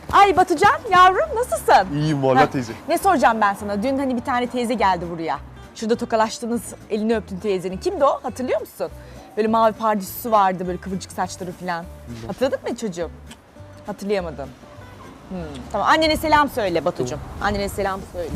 Ay Batucan yavrum nasılsın? İyiyim vallahi teyze. Ne soracağım ben sana? Dün hani bir tane teyze geldi buraya. Şurada tokalaştınız, elini öptün teyzenin. Kimdi o? Hatırlıyor musun? Böyle mavi pardüsüsü vardı, böyle kıvırcık saçları falan. Hatırladın mı çocuğum? Hatırlayamadın. Tamam, annene selam söyle Batucuğum. Annene selam söyle.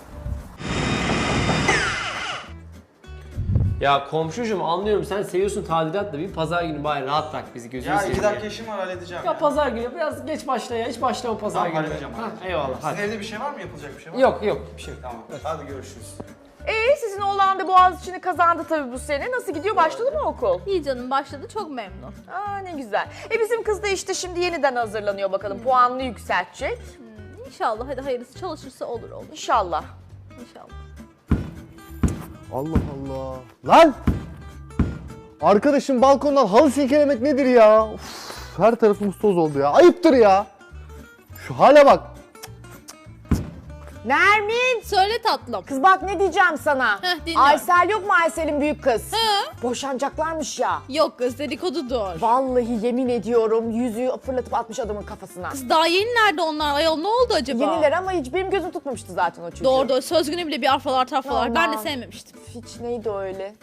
Ya komşucuğum anlıyorum sen seviyorsun tadilat da bir pazar günü bari rahat bırak bizi gözünü Ya seveyim. 2 dakika işim var halledeceğim Ya pazar günü biraz geç başla ya hiç başlama pazar Tamam, günü. halledeceğim, Ha, halledeceğim. eyvallah Sizin hadi. evde bir şey var mı? Yapılacak bir şey var mı? Yok bir şey yok. Tamam. Hadi görüşürüz. Sizin oğlan da Boğaziçi'ni kazandı tabii bu sene. Nasıl gidiyor? Başladı mı okul? İyi canım başladı çok memnun. Aa ne güzel. Bizim kız da işte şimdi yeniden hazırlanıyor bakalım. Puanını yükseltecek. İnşallah hadi hayırlısı çalışırsa olur. İnşallah. İnşallah. Allah Allah. Lan! Arkadaşım balkondan halı silkelemek nedir ya? Uf, her tarafımız toz oldu ya. Ayıptır ya. Şu hale bak. Nermin! Söyle tatlım. Kız bak ne diyeceğim sana. Dinliyorum. Aysel yok mu Aysel'in büyük kız? Boşanacaklarmış ya. Yok kız dedikodudur. Vallahi yemin ediyorum yüzüğü fırlatıp atmış adamın kafasına. Kız daha yeni nerede onlar ayol ne oldu acaba? Yeniler ama hiç benim gözüm tutmamıştı zaten o çocuğu. Doğru söz günü bile bir arfalar tafralar. Ben de Aman. sevmemiştim. Hiç neydi o öyle?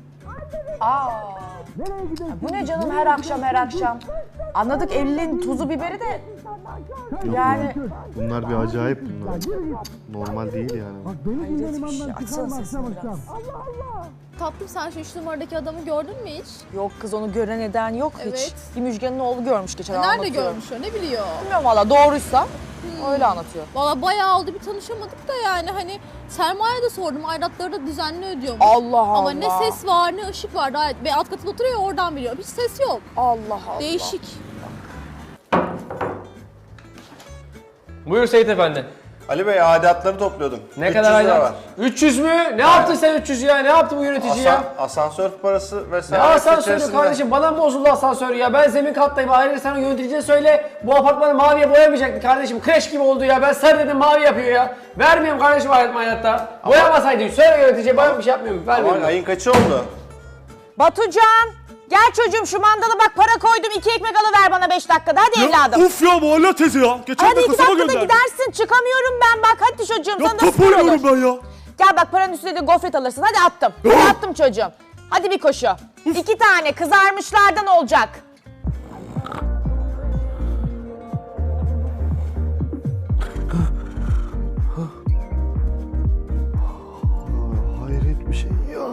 Bu ne canım her akşam? Anladık evliliğin tuzu biberi de. Yani Bunlar bir acayip bunlar. Normal değil yani. hayret bir şey. Açsana sesini biraz. Tatlım sen şu 3 numaradaki adamı gördün mü hiç? Yok kız onu gören eden yok hiç. Evet. Bir Müjgan'ın oğlu görmüş geçen Nerede anlatıyor. görmüş o ne biliyor? Bilmiyorum valla doğruysa öyle anlatıyor. Valla bayağı oldu bir tanışamadık da yani hani sermaye de sordum aidatları da düzenli ödüyormuş. Allah Allah. Ama ne ses var ne ışık var daha ve alt katında oturuyor ya, oradan biliyorum. Hiç ses yok. Allah Allah. Değişik. Buyur Seyit Efendi. Ali Bey aidatları topluyordum. Ne 300 kadar lira ayda? var. 300 mü? Ne yaptın sen 300 ya? Ne yaptı bu yönetici ya? Asansör parası Ne vesaire. asansörü içerisinde. kardeşim? Bana mı bozuldu asansörü ya? Ben zemin kattayım. Ayrıca sana yöneticiye söyle bu apartmanı maviye boyamayacaktı kardeşim. Kreş gibi oldu ya. Ben sarı dedim mavi yapıyor ya. Vermiyorum kardeşim hayatta. Boyamasaydı. Söyle yöneticiye ben bir şey yapmıyorum. Vermiyorum. Aman ayın kaçı oldu? Batucan! Gel çocuğum şu mandala bak para koydum 2 ekmek alıver bana 5 dakikada hadi evladım. Uf ya Muhalle teyze ya. Geçen Hadi de 2 kasaba dakikada gönderdi. gidersin çıkamıyorum ben bak hadi çocuğum Ya sana da spor top olur. oynuyorum ben ya. Gel bak paranın üstüne de gofret alırsın hadi attım. Hadi attım çocuğum. Hadi bir koşu. 2 tane kızarmışlardan olacak. Hayret bir şey ya.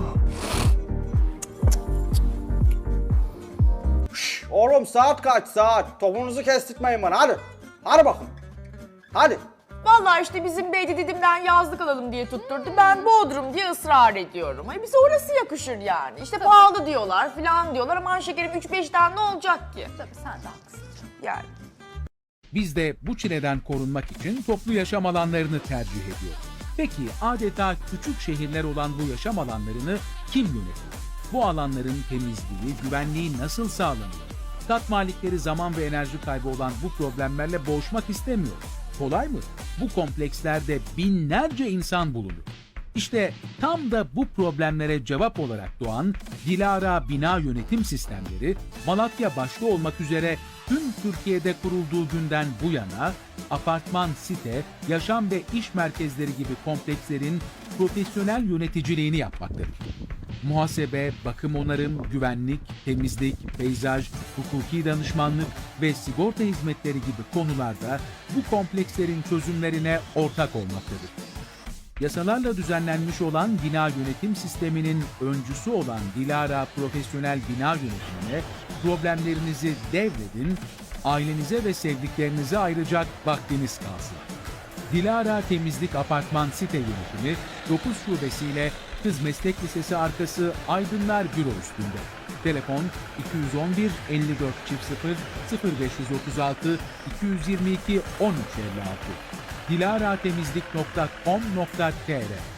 Oğlum saat kaç saat? Topunuzu kestirtmeyin bana hadi. Hadi bakın. Hadi. Vallahi işte bizim Beydi Didim'den yazlık alalım diye tutturdu. Ben Bodrum diye ısrar ediyorum. Ay bize orası yakışır yani. İşte pahalı diyorlar falan diyorlar. Aman şekerim 3-5 tane ne olacak ki? Tabii sen de haklısın. Yani. Biz de bu çileden korunmak için toplu yaşam alanlarını tercih ediyoruz. Peki adeta küçük şehirler olan bu yaşam alanlarını kim yönetiyor? Bu alanların temizliği, güvenliği nasıl sağlanıyor? Kat malikleri zaman ve enerji kaybı olan bu problemlerle boğuşmak istemiyor. Kolay mı? Bu komplekslerde binlerce insan bulunur. İşte tam da bu problemlere cevap olarak doğan Dilara Bina Yönetim Sistemleri, Malatya başta olmak üzere tüm Türkiye'de kurulduğu günden bu yana apartman, site, yaşam ve iş merkezleri gibi komplekslerin profesyonel yöneticiliğini yapmaktadır. Muhasebe, bakım onarım, güvenlik, temizlik, peyzaj, hukuki danışmanlık ve sigorta hizmetleri gibi konularda bu komplekslerin çözümlerine ortak olmaktadır. Yasalarla düzenlenmiş olan bina yönetim sisteminin öncüsü olan Dilara Profesyonel Bina Yönetimi'ne problemlerinizi devredin, ailenize ve sevdiklerinize ayıracak vaktiniz kalsın. Dilara Temizlik Apartman Site Yönetimi 9 şubesiyle Kız Meslek Lisesi arkası Aydınlar Büro üstünde. Telefon 211 54 00 0536 222 1356 dilaratemizlik.com.tr